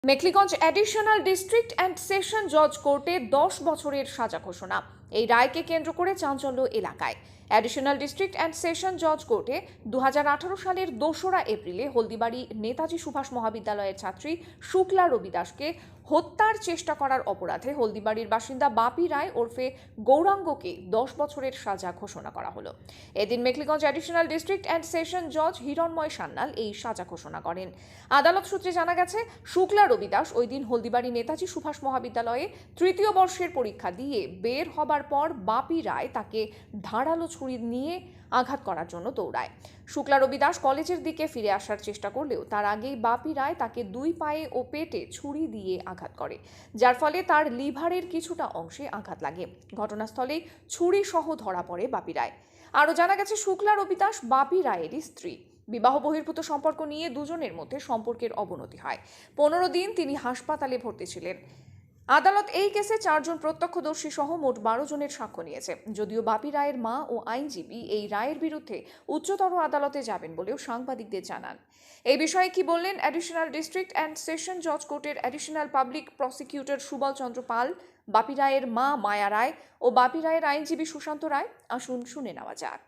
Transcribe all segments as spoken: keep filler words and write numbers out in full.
Mekhliganj additional district and session জজ কোর্টে দশ বছরের সাজা ঘোষণা। এই রায়কে কেন্দ্র করে চাঞ্চল্য এলাকায়। অ্যাডিশনাল ডিস্ট্রিক্ট অ্যান্ড সেশন জজ কোর্টে দু হাজার আঠারো সালের দোসরা এপ্রিলে হলদিবাড়ি নেতাজি সুভাষ মহাবিদ্যালয়ের ছাত্রী শুক্লা রবি দাসকে হত্যার চেষ্টা করার অপরাধে হলদিবাড়ির বাসিন্দা বাপি রায় ওরফে গৌরাঙ্গকে দশ বছরের সাজা ঘোষণা করা হলো। এদিন Mekhliganj additional district and session জজ হিরণময় সান্যাল এই সাজা ঘোষণা করেন। আদালত সূত্রে জানা গেছে, শুক্লা রবি দাস ওই দিন হলদিবাড়ি নেতাজি সুভাষ মহাবিদ্যালয়ে তৃতীয় বর্ষের পরীক্ষা দিয়ে বের হবার পর বাপি রায় তাকে ধারালো ছুরি নিয়ে আঘাত করার জন্য দৌড়ায়। শুক্লা রবি দাস কলেজের দিকে ফিরে আসার চেষ্টা করলেও তার আগেই বাপি রায় তাকে দুই পায়ে ও পেটে ছুরি দিয়ে আঘাত করে, যার ফলে তার লিভারের কিছুটা অংশে আঘাত লাগে। ঘটনাস্থলেই ছুরি সহ ধরা পড়ে বাপি রায়। আরও জানা গেছে, শুক্লা রবি দাস বাপি রায়েরই স্ত্রী। বিবাহ বহির্ভূত সম্পর্ক নিয়ে দুজনের মধ্যে সম্পর্কের অবনতি হয়। পনেরো দিন তিনি হাসপাতালে ভর্তি ছিলেন। আদালত এই কেসে চারজন প্রত্যক্ষদর্শী সহ মোট বারো জনের সাক্ষ্য নিয়েছে। যদিও বাপি রায়ের মা ও আইনজীবী এই রায়ের বিরুদ্ধে উচ্চতর আদালতে যাবেন বলেও সাংবাদিকদের জানান। এই বিষয়ে কি বললেন অ্যাডিশনাল ডিস্ট্রিক্ট অ্যান্ড সেশন জজ কোর্টের additional public prosecutor Subal Chandra Pal, Bapi রায়ের মা মায়া রায় ও বাপি রায়ের আইনজীবী সুশান্ত রায়, আসুন শুনে নেওয়া যাক।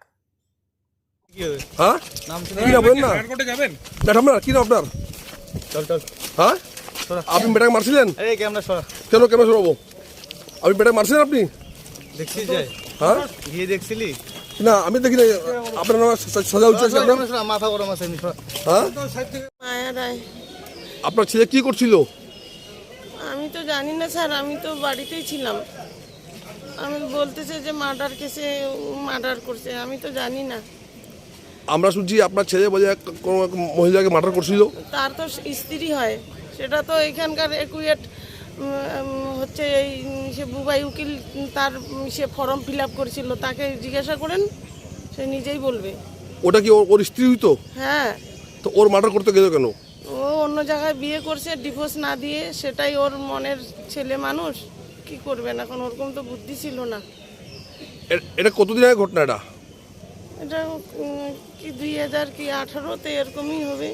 হ্যাঁ কি বলেন না ম্যাডাম কি নাম আপনার? চল চল হ্যাঁ আপনি মেয়েটাকে মারছিলেন? এই ক্যামেরা সরা। কেন ক্যামেরা সরাবো? আপনি মেয়েটাকে মারছিলেন? আপনি দেখছি যাই হ্যাঁ গিয়ে দেখছিলি না? আমি দেখি না। আপনার নাম সাজা উচিত আছে আপনার? মাথা গরম আছে এমনি সরা। হ্যাঁ মায়া রায়। আপনার ছেলে কি করছিল? আমি তো জানি না স্যার, আমি তো বাড়িতেই ছিলাম। আমি বলতেছে যে মার্ডার কেসে মার্ডার করছে, আমি তো জানি না। আমরা শুনছি আপনার ছেলে বলে এক কোনো এক মহিলাকে মার্ডার করছিল। তার তো স্ত্রী হয়, সেটা তো এখানকার একুয়েট হচ্ছে এই সে বুবাই উকিল, তার সে ফর্ম ফিল আপ করেছিল, তাকে জিজ্ঞাসা করেন, সে নিজেই বলবে। ওটা কি ওর স্ত্রী হইতো? হ্যাঁ। তো ওর মার্ডার করতে গেল কেন? ও অন্য জায়গায় বিয়ে করছে, ডিভোর্স না দিয়ে, সেটাই ওর মনের ছেলে মানুষ, কি করবেন এখন, ওরকম তো বুদ্ধি ছিল না। এটা কতদিন আগে ঘটনা? এটা এটা কি দুই হাজার কি আঠারোতে এরকমই হবে।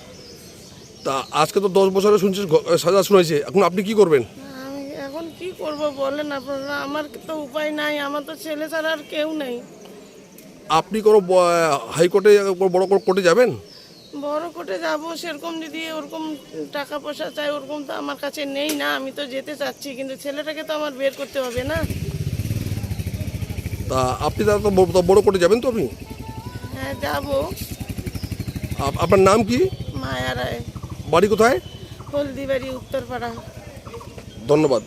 তা আজকে তো দশ বছরে শুনছি সাজা শুনেছে, এখন আপনি কি করবেন? আমি এখন কি করব বলেন আপনারা, আমার তো উপায় নাই, আমার তো ছেলে ছাড়া আর কেউ নেই। আপনি কোনো হাইকোর্টে বড় কোর্টে যাবেন? বড় কোর্টে যাব, সেরকম যদি ওরকম টাকা পয়সা চাই ওরকম তো আমার কাছে নেই না। আমি তো যেতে চাচ্ছি, কিন্তু ছেলেটাকে তো আমার বের করতে হবে না। তা আপনি তাহলে তো বড় কোর্টে যাবেন তো? আপনি? হ্যাঁ যাব। আপনার নাম কি? মায়া রায়। বাড়ি কোথায়? হলদিবাড়ি, উত্তরপাড়া। ধন্যবাদ।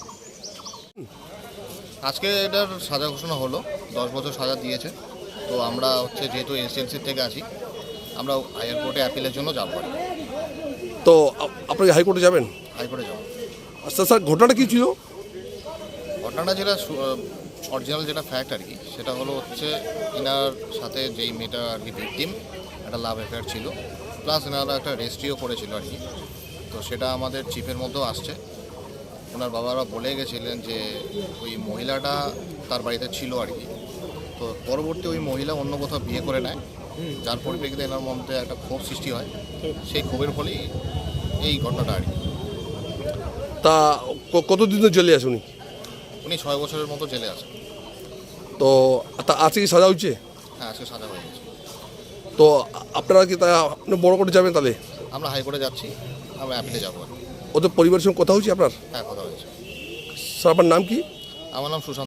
আজকে এটার সাজা ঘোষণা হলো, দশ বছর সাজা দিয়েছে। তো আমরা হচ্ছে যেহেতু এসএলসি থেকে আছি, আমরা হাইয়ার কোর্টে অ্যাপিলের জন্য যাব। তো আপনি হাইকোর্টে যাবেন? হাইকোর্টে যাব। আচ্ছা স্যার, ঘটনাটা কী ছিল? ঘটনাটা যেটা অরিজিনাল যেটা ফ্যাক্ট আর কি, সেটা হলো হচ্ছে এনার সাথে যেই মেয়েটা আর কি ভিকটিম, একটা লাভ অ্যাফেয়ার ছিল, প্লাস এনারা একটা রেজিস্ট্রিও করেছিল আর কি। তো সেটা আমাদের চিফের মধ্যেও আসছে। ওনার বাবারা বলে গেছিলেন যে ওই মহিলাটা তার বাড়িতে ছিল আর কি। তো পরবর্তী ওই মহিলা অন্য কোথাও বিয়ে করে নেয়, যার পরিপ্রেক্ষিতে এনার মধ্যে একটা ক্ষোভ সৃষ্টি হয়। সেই ক্ষোভের ফলেই এই ঘটনাটা আর কি। তা কতদিন জেলে আছে উনি? উনি ছয় বছরের মতো জেলে আছেন। তো তা আজকে কি সাজা হচ্ছে? হ্যাঁ, আজকে সাজা হয়ে গেছে। তো আপনারা কি তা আপনি বড় কোর্টে যাবেন? তাহলে আমরা হাইকোর্টে যাচ্ছি, আমরা অ্যাপিলে যাবো আর কি। ওদের পরিবারের সঙ্গে কথা হচ্ছে আপনার? হ্যাঁ, কথা হয়েছে। স্যার আপনার নাম কি? আমার নাম সুশান্ত।